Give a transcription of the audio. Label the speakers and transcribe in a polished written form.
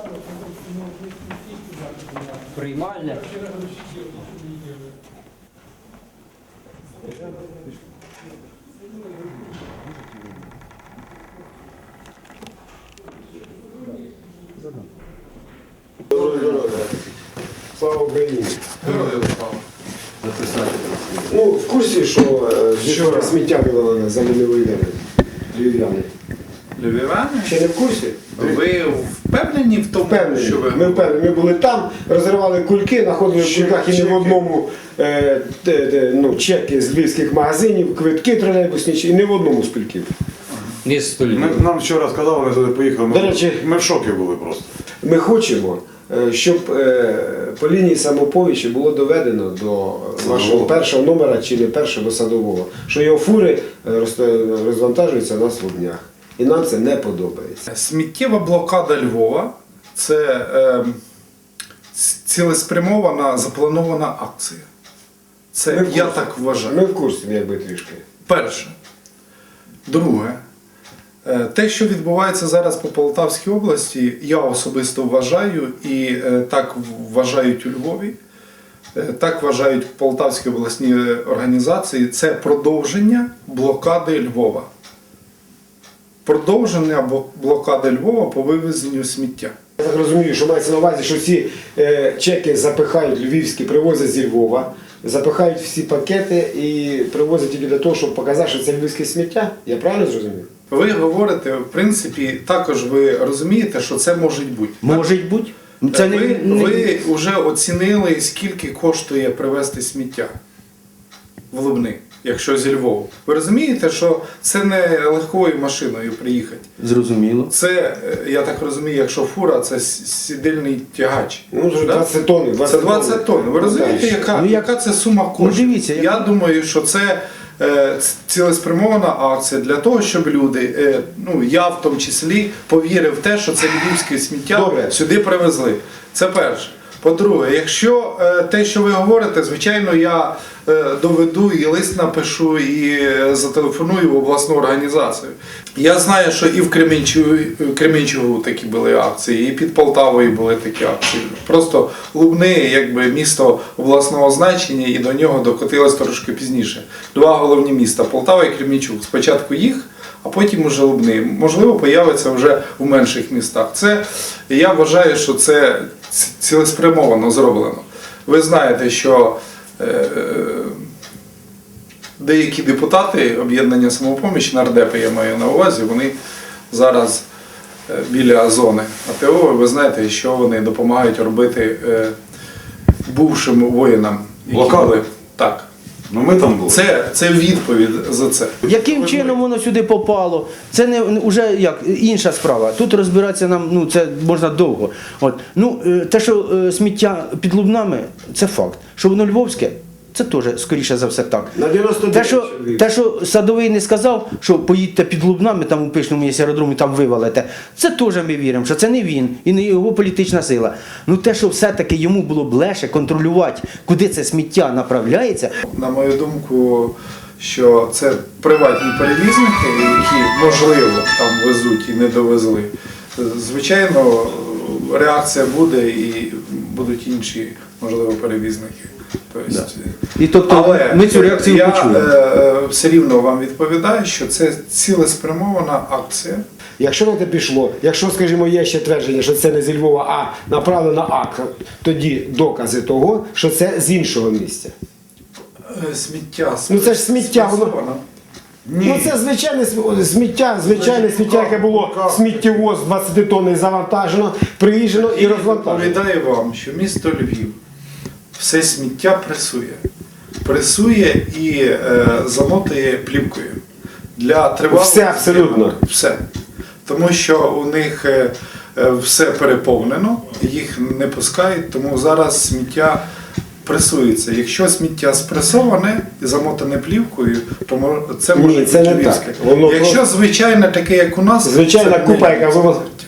Speaker 1: Приймальня.
Speaker 2: Слава Україні! Ну, в курсі, що сміття вивели за львів'яни?
Speaker 3: Львів'яни?
Speaker 2: Ще не в курсі?
Speaker 3: Ви впевнені в тому,
Speaker 2: Впевнені.
Speaker 3: що ви...
Speaker 2: Ми впевнені. Ми були там, розривали кульки, знаходили в кульках і не в одному чеки з львівських магазинів, квитки тролейбусні, і не в одному з кульків.
Speaker 1: Ні, столі.
Speaker 4: Нам вчора сказали, ми туди поїхали.
Speaker 2: До речі,
Speaker 4: Ми в шокі були просто.
Speaker 2: Ми хочемо, щоб по лінії самопомічі було доведено до вашого першого номера чи не першого до Садового, що його фури розвантажуються на днях. І нам це не подобається.
Speaker 3: Сміттєва блокада Львова – це цілеспрямована, запланована акція. Це я так вважаю.
Speaker 2: Ми в курсі, якби трішки.
Speaker 3: Перше. Друге. Те, що відбувається зараз по Полтавській області, я особисто вважаю, і так вважають у Львові, так вважають Полтавські обласні організації, це продовження блокади Львова. Продовження блокади Львова по вивезенню сміття.
Speaker 2: Я так розумію, що мається на увазі, що ці чеки запихають львівські, привозять зі Львова, запихають всі пакети і привозять тільки для того, щоб показати, що це львівське сміття. Я правильно зрозумів?
Speaker 3: Ви говорите, в принципі, також ви розумієте, що це може бути.
Speaker 1: Може бути. Це
Speaker 3: Ви вже оцінили, скільки коштує привезти сміття в Лубни, якщо зі Львова. Ви розумієте, що це не легкою машиною приїхати.
Speaker 1: Зрозуміло.
Speaker 3: Це, я так розумію, якщо фура, це сідельний тягач.
Speaker 2: Ну, вже
Speaker 3: Да?
Speaker 2: 20 тонн.
Speaker 3: Це 20 тонн. Ви розумієте, яка це сума коштів?
Speaker 1: дивіться,
Speaker 3: Я думаю, що це цілеспрямована акція для того, щоб люди, я в тому числі, повірив в те, що це львівське сміття сюди привезли. Це перше. По-друге, якщо те, що ви говорите, звичайно, я доведу і лист напишу, і зателефоную в обласну організацію. Я знаю, що і в Кременчугу такі були акції, і під Полтавою були такі акції. Просто Лубни, якби місто обласного значення, і до нього докотилось трошки пізніше. Два головні міста – Полтава і Кременчуг. Спочатку їх, а потім уже Лубни. Можливо, появиться вже у менших містах. Це, я вважаю, що це цілеспрямовано зроблено. Ви знаєте, що деякі депутати об'єднання «Самопоміч», нардепи я маю на увазі, вони зараз біля зони АТО, ви знаєте, що вони допомагають робити бувшим воїнам.
Speaker 4: Блокади?
Speaker 3: Так.
Speaker 4: Ну ми там були.
Speaker 3: Це відповідь за це.
Speaker 1: Яким чином воно сюди попало? Це не вже як інша справа. Тут розбиратися нам, це можна довго. От. Те, що сміття під Лубнами, це факт. Що воно львовське, це теж, скоріше за все, так.
Speaker 2: На 99
Speaker 1: Те, що Садовий не сказав, що поїдьте під Лубнами, там у Пишному є аеродром, і там вивалите, це теж ми віримо, що це не він і не його політична сила. Те, що все-таки йому було б легше контролювати, куди це сміття направляється.
Speaker 3: На мою думку, що це приватні перевізники, які, можливо, там везуть і не довезли. Звичайно, реакція буде і будуть інші, можливо, перевізники.
Speaker 1: Але ми цю реакцію почули.
Speaker 3: Я все рівно вам відповідаю, що це цілеспрямована акція.
Speaker 2: Якщо на те пішло, якщо, скажімо, є ще твердження, що це не зі Львова, а направлено акт, тоді докази того, що це з іншого місця.
Speaker 3: Сміття.
Speaker 2: Це ж сміття, воно. Це звичайне сміття, яке було сміттєвоз 20 тонн завантажено, приїжджено і розвантажено.
Speaker 3: Відповідаю вам, що місто Львів все сміття пресує. Пресує і замотує плівкою. Для тривалого
Speaker 2: все абсолютно.
Speaker 3: Все. Тому що у них все переповнено, їх не пускають, тому зараз сміття пресується. Якщо сміття спресоване і замотане плівкою, то це може бути львівське. Якщо звичайне таке, як у нас,
Speaker 2: звичайна купа, яка